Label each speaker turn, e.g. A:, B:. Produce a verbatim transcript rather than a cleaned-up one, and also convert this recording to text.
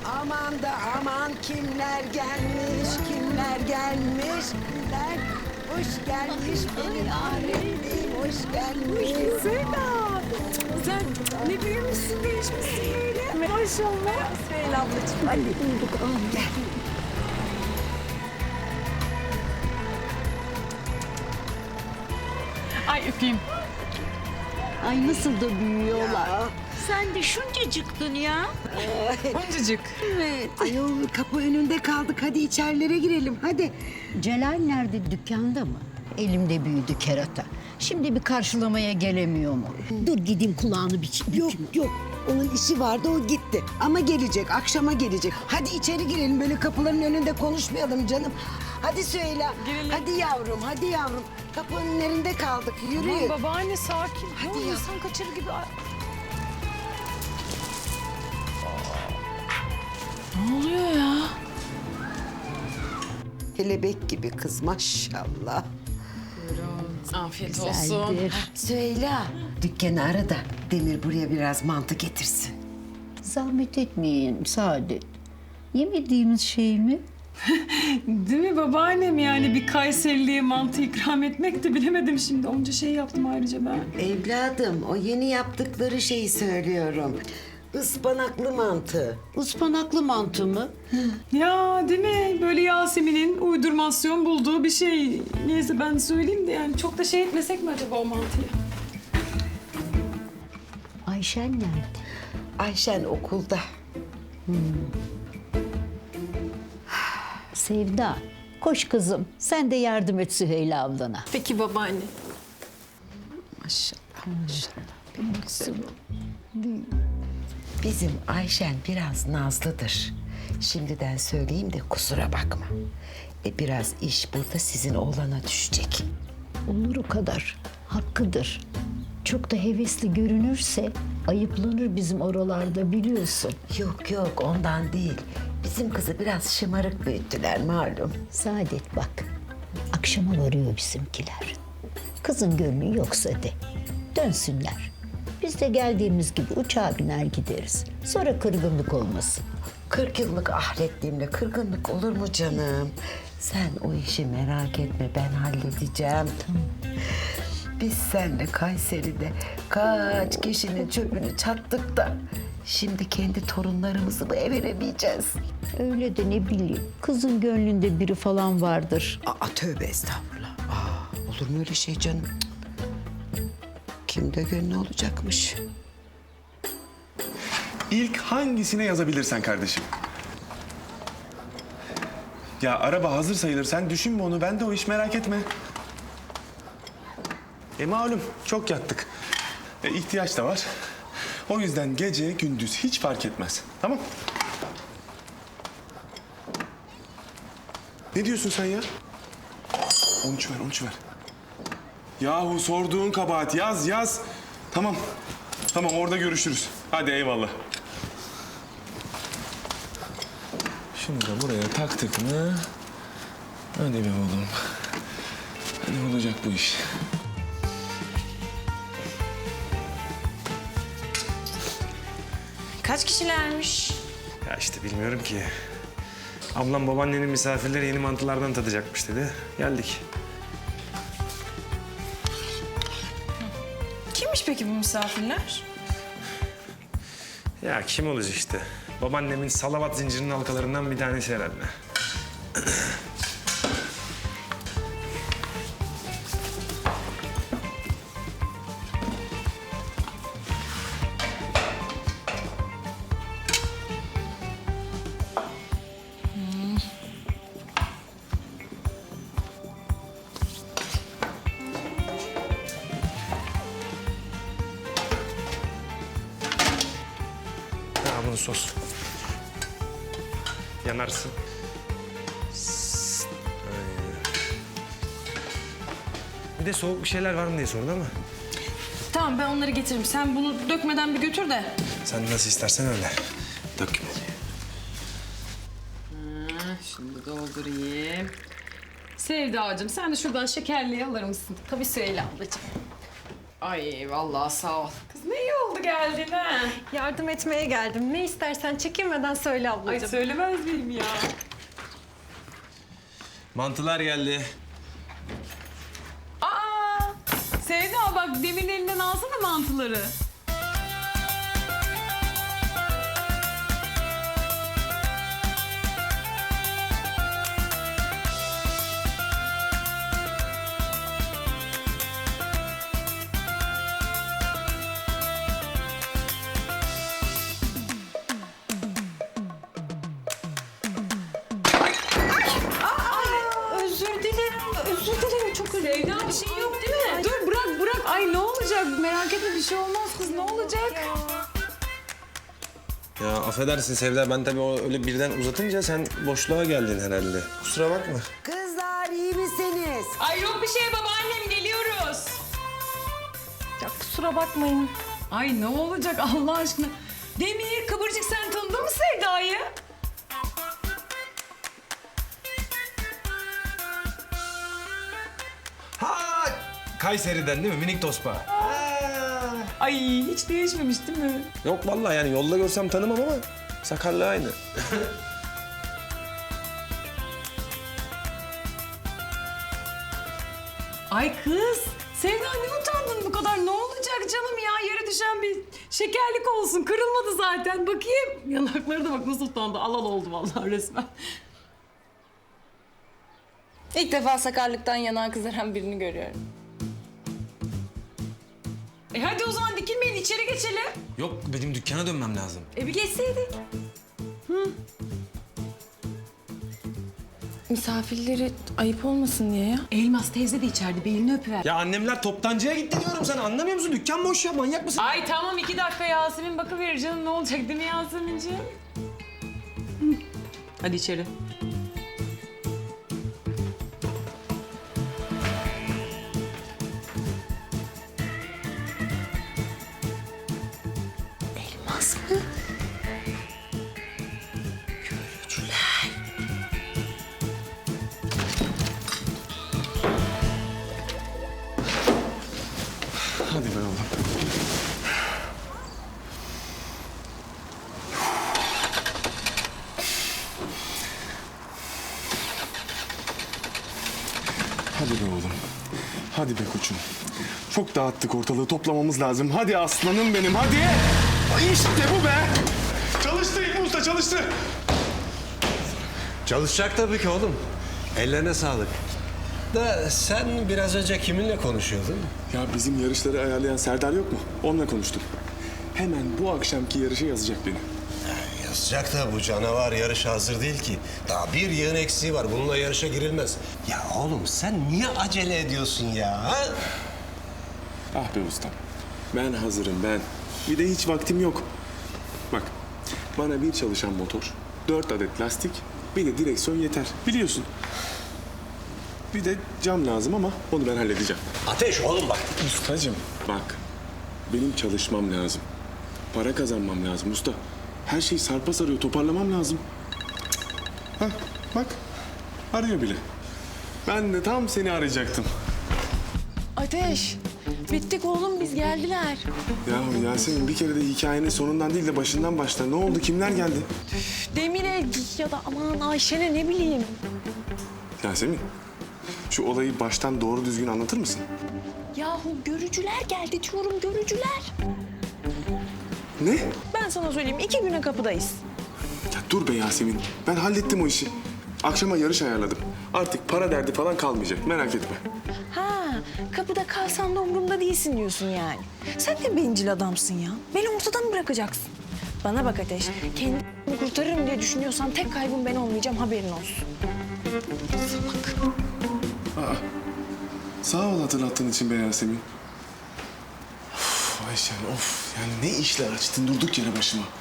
A: Aman da aman kimler gelmiş, kimler gelmiş, kimler hoş gelmiş benim Ahmet'im, hoş gelmiş.
B: Zeynep, sen ne büyümüşsün, değişmişsin böyle. Maşallah. Süheyla ablacığım.
A: Hadi bulduk, al gel.
B: Ay öpeyim.
C: Ay nasıl da büyüyorlar.
A: Ya.
C: Sen de şuncacıktın ya.
B: Boncacık.
C: Evet.
A: Ayol kapı önünde kaldık, hadi içerilere girelim, hadi.
C: Celal nerede, dükkanda mı? Elimde büyüdü kerata. Şimdi bir karşılamaya gelemiyor mu? Dur gideyim kulağını bir
A: Yok yok, onun işi vardı, o gitti. Ama gelecek, akşama gelecek. Hadi içeri girelim, böyle kapıların önünde konuşmayalım canım. Hadi Süheyla,
B: Girelim.
A: hadi yavrum, hadi yavrum. Kapının önünde kaldık, yürüyün.
B: Aman babaanne sakin.
A: Hadi
B: Hadi
A: ya.
B: insan kaçırır gibi. Ay. Ne oluyor ya?
A: Kelebek gibi kız maşallah.
B: Afiyet olsun.
C: güzeldir.
A: Süheyla, dükkanı ara da Demir buraya biraz mantı getirsin.
C: Zahmet etmeyin Saadet. Yemediğimiz şey mi?
B: Değil mi babaannem, yani bir Kayserili'ye mantı ikram etmek de bilemedim şimdi. Onca şey yaptım ayrıca ben.
A: Evladım, o yeni yaptıkları şeyi söylüyorum. Ispanaklı mantı.
C: Ispanaklı mantı mı?
B: Ya değil mi? Böyle Yasemin'in uydurmasyon bulduğu bir şey. Neyse ben söyleyeyim de yani çok da şey etmesek mi acaba o mantıyı?
C: Ayşen nerede?
A: Ayşen okulda.
C: Sevda. Koş kızım. Sen de yardım et Süheyla ablana.
B: Peki babaanne.
A: Maşallah, maşallah.
C: Benim kızım.
A: Bizim Ayşen biraz nazlıdır. Şimdiden söyleyeyim de kusura bakma. E biraz iş burada sizin oğlana düşecek.
C: Olur o kadar. Hakkıdır. Çok da hevesli görünürse ayıplanır bizim oralarda biliyorsun.
A: Yok yok, ondan değil. Bizim kızı biraz şımarık büyüttüler malum.
C: Saadet bak. Akşama varıyor bizimkiler. Kızın gönlü yoksa de. Dönsünler. Biz de geldiğimiz gibi uçağa biner gideriz. Sonra kırgınlık olmasın.
A: Kırk yıllık ahretliğimle kırgınlık olur mu canım? Sen o işi merak etme, ben halledeceğim. Biz seninle Kayseri'de kaç kişinin çöpünü çattık da... Şimdi kendi torunlarımızı mı veremeyeceğiz?
C: Öyle de ne bileyim. Kızın gönlünde biri falan vardır.
A: Aa, tövbe estağfurullah. Aa, olur mu öyle şey canım? Cık. Kimde gönlü olacakmış?
D: İlk hangisine yazabilirsen kardeşim. Ya araba hazır sayılır. Sen düşünme onu. Ben de o iş, merak etme. E malum çok yattık. E, ihtiyaç da var. O yüzden gece gündüz hiç fark etmez. Tamam? Ne diyorsun sen ya? on üç ver, on üç ver. Yahu sorduğun kabahat. Yaz, yaz. Tamam. Tamam, orada görüşürüz. Hadi eyvallah. Şunu da buraya taktık mı? Hadi be oğlum. Hadi olacak bu iş.
E: Kaç kişilermiş?
F: Ya işte bilmiyorum ki. Ablam babaannenin misafirleri yeni mantılardan tadacakmış dedi. Geldik.
E: Kimmiş peki bu misafirler?
F: Ya kim olacak işte? Babaannemin salavat zincirinin halkalarından bir tanesi herhalde. Ha, bunu sos. Yanarsın. Sst. Aynen. Bir de soğuk bir şeyler var mı diye sordu ama.
E: Tamam ben onları getiririm. Sen bunu dökmeden bir götür de.
F: Sen nasıl istersen öyle. Dökme.
B: Şimdi doldurayım. Sevdacığım sen de şuradan şekerliği alır mısın? Tabii Süheyla ablacığım. Ay vallahi sağ ol. Kız ne iyi oldu geldin ha.
E: Yardım etmeye geldim. Ne istersen çekinmeden söyle ablacığım.
B: Ay söylemez miyim ya?
F: Mantılar geldi.
B: Aa! Sevda bak demin elinden alsana mantıları.
E: Özür dilerim, özür dilerim. Çok özür dilerim.
B: Sevda bir şey yok değil mi? Dur bırak bırak. Ay ne olacak? Merak etme bir şey olmaz kız ne olacak?
F: Ya affedersin Sevda, ben tabii o öyle birden uzatınca sen boşluğa geldin herhalde. Kusura bakma.
A: Kızlar iyi misiniz?
B: Ay yok bir şey babaannem geliyoruz.
E: Ya kusura bakmayın.
B: Ay ne olacak Allah aşkına? Demir Kıvırcık sen tanıdın mı Sevda'yı?
F: Ha! Kayseri'den değil mi? Minik tospa.
B: Ay hiç değişmemiş değil mi?
F: Yok vallahi yani yolda görsem tanımam ama sakarlığı aynı.
B: Ay kız Sevda ne utandın bu kadar? Ne olacak canım ya? Yere düşen bir şekerlik olsun. Kırılmadı zaten. Bakayım. Yanakları da bak nasıl utandı. Alal oldu vallahi resmen.
E: İlk defa sakarlıktan yanağı kızaran birini görüyorum.
B: E hadi o zaman dikilmeyin içeri geçelim.
F: Yok, benim dükkana dönmem lazım.
B: E bir geçseydik.
E: Misafirleri ayıp olmasın diye ya.
B: Elmas teyze de içeride belini öpüver.
F: Ya annemler toptancıya gitti diyorum, sen anlamıyor musun? Dükkan boş ya, manyak mısın?
B: Ay tamam iki dakika Yasemin bakıverir canım ne olacak değil mi Yasemin'ciğim? Hı. Hadi içeri.
C: Elmas mı?
D: Hadi be oğlum. Hadi be oğlum. Hadi be koçum. Çok dağıttık ortalığı, toplamamız lazım. Hadi aslanım benim, hadi. Ay işte bu be. Çalıştı İlmi Usta, çalıştı.
G: Çalışacak tabii ki oğlum. Ellerine sağlık. Da sen biraz önce kiminle konuşuyordun?
D: Ya bizim yarışları ayarlayan Serdar yok mu? Onunla konuştum. Hemen bu akşamki yarışa yazacak beni.
G: Yazacak da bu canavar yarışa hazır değil ki. Daha bir yığın eksiği var. Bununla yarışa girilmez. Ya oğlum sen niye acele ediyorsun ya? Ha?
D: Ah be ustam. Ben hazırım ben. Bir de hiç vaktim yok. Bak bana bir çalışan motor, dört adet lastik, bir de direksiyon yeter. Biliyorsun. Bir de cam lazım ama onu ben halledeceğim.
G: Ateş oğlum bak.
D: Ustacığım bak. Benim çalışmam lazım. Para kazanmam lazım usta. Her şey sarpa sarıyor. Toparlamam lazım. Hah bak. Arıyor bile. Ben de tam seni arayacaktım.
E: Ateş, bittik oğlum biz geldiler.
D: Yahu Yasemin bir kere de hikayenin sonundan değil de başından başla. Ne oldu? Kimler geldi?
E: Demire ya da aman Ayşen'e ne bileyim.
D: Yasemin, şu olayı baştan doğru düzgün anlatır mısın?
E: Yahu görücüler geldi diyorum görücüler.
D: Ne?
E: Ben sana söyleyeyim iki güne kapıdayız.
D: Ya dur be Yasemin. Ben hallettim o işi. Akşama yarış ayarladım. Artık para derdi falan kalmayacak. Merak etme.
E: Ha, kapıda kalsan da umurumda değilsin diyorsun yani. Sen de bencil adamsın ya. Beni ortadan mı bırakacaksın? Bana bak Ateş, kendimi kurtarırım diye düşünüyorsan tek kaybım ben olmayacağım haberin olsun.
D: Sağ ol hatırlattığın için be Yasemin. Of Ayşen of. Yani ne işler açtın durduk yere başıma.